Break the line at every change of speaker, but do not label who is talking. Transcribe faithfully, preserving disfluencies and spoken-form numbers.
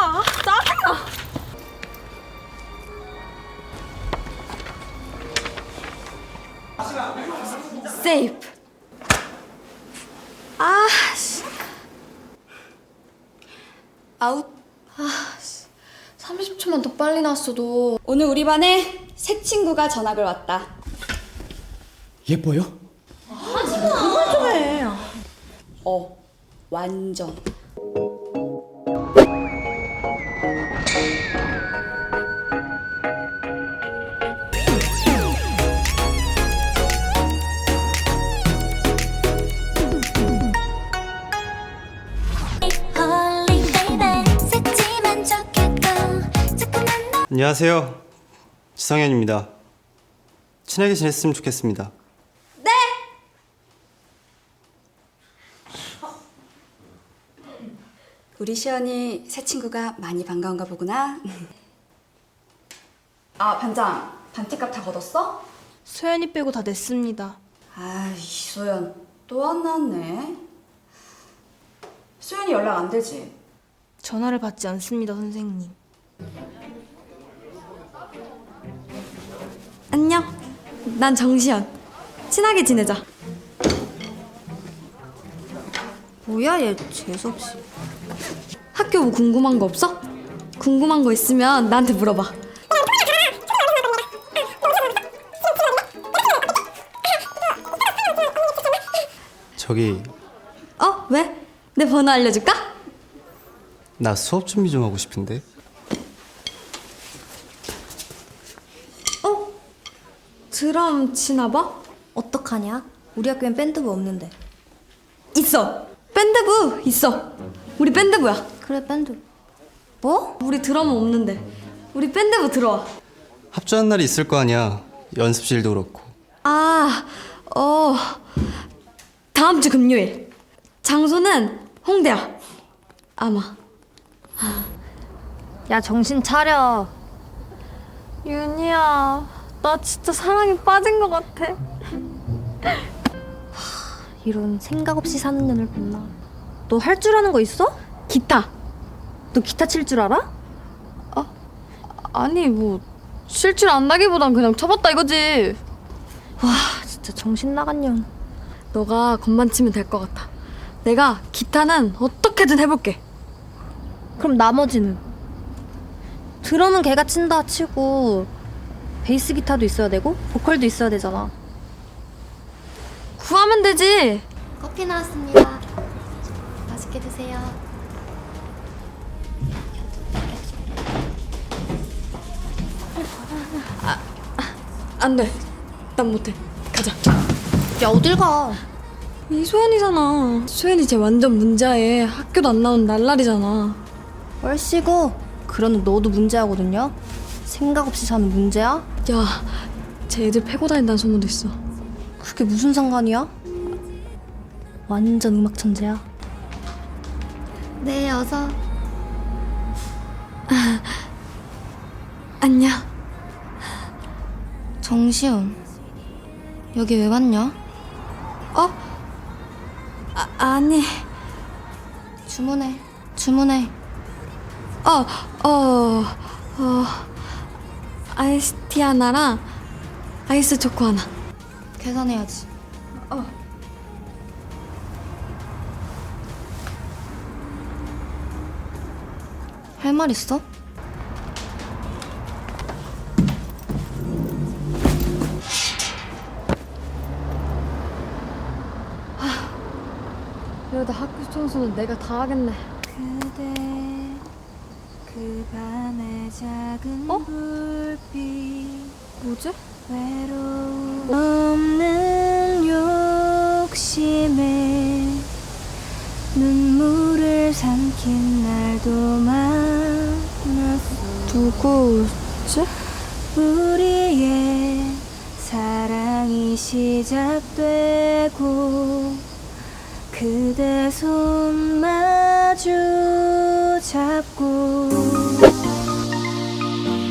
아, 짜증나. 세이프. 아, 씨. 아웃. 아, 씨. 삼십 초만 더 빨리 나왔어도. 오늘 우리 반에 새 친구가 전학을 왔다.
예뻐요?
그만 좀 해.
어, 완전.
안녕하세요. 지성현입니다. 친하게 지냈으면 좋겠습니다.
네! 우리 시연이 새 친구가 많이 반가운가 보구나. 아, 반장. 반티값 다 걷었어?
소연이 빼고 다 냈습니다.
아이, 소연. 또 안 나왔네. 소연이 연락 안 되지?
전화를 받지 않습니다, 선생님.
안녕. 난 정시연. 친하게 지내자.
뭐야, 얘 재수없이.
학교 뭐 궁금한 거 없어? 궁금한 거 있으면 나한테 물어봐.
저기,
어? 왜? 내 번호 알려줄까?
나 수업 준비 좀 하고 싶은데.
어? 드럼 치나 봐?
어떡하냐? 우리 학교엔 밴드부 없는데.
있어. 밴드부 있어. 우리 밴드부야.
그래, 밴드. 뭐?
우리 드럼은 없는데. 우리 밴드부 들어와.
합주한 날이 있을 거 아니야. 연습실도 그렇고.
아, 어. 다음 주 금요일. 장소는 홍대야. 아마.
야, 정신 차려. 윤희야, 나 진짜 사랑에 빠진 것 같아. 이런 생각 없이 사는 년을 봤나. 너 할 줄 아는 거 있어?
기타.
너 기타 칠 줄 알아?
아니, 뭐 쉴 줄 안다기보단 그냥 쳐봤다 이거지.
와, 진짜 정신 나간 년.
너가 건반 치면 될 것 같아. 내가 기타는 어떻게든 해볼게.
그럼 나머지는? 드럼은 걔가 친다 치고 베이스 기타도 있어야 되고 보컬도 있어야 되잖아.
구하면 되지.
커피 나왔습니다. 맛있게 드세요.
안 돼. 난 못해. 가자.
야, 어딜 가?
이 소연이잖아. 소연이 쟤 완전 문제에 학교도 안 나온 날라리잖아.
얼씨구, 그러는 너도 문제하거든요. 생각 없이 사는 문제야?
야, 쟤 애들 패고 다닌다는 소문도 있어.
그게 무슨 상관이야? 완전 음악 천재야.
네, 어서.
안녕.
정시훈, 여기 왜 왔냐?
어? 아, 아니.
주문해, 주문해.
어, 어, 어. 아이스티 하나랑 아이스 초코 하나.
계산해야지.
어.
할 말 있어?
이러다 학교 청소는 내가 다 하겠네.
그대, 그 밤의 작은
어?
불빛,
뭐지?
외로움 없는 욕심에 눈물을 삼킨 날도 많았어.
누구지?
우리의 사랑이 시작되고 그대 손 마주 잡고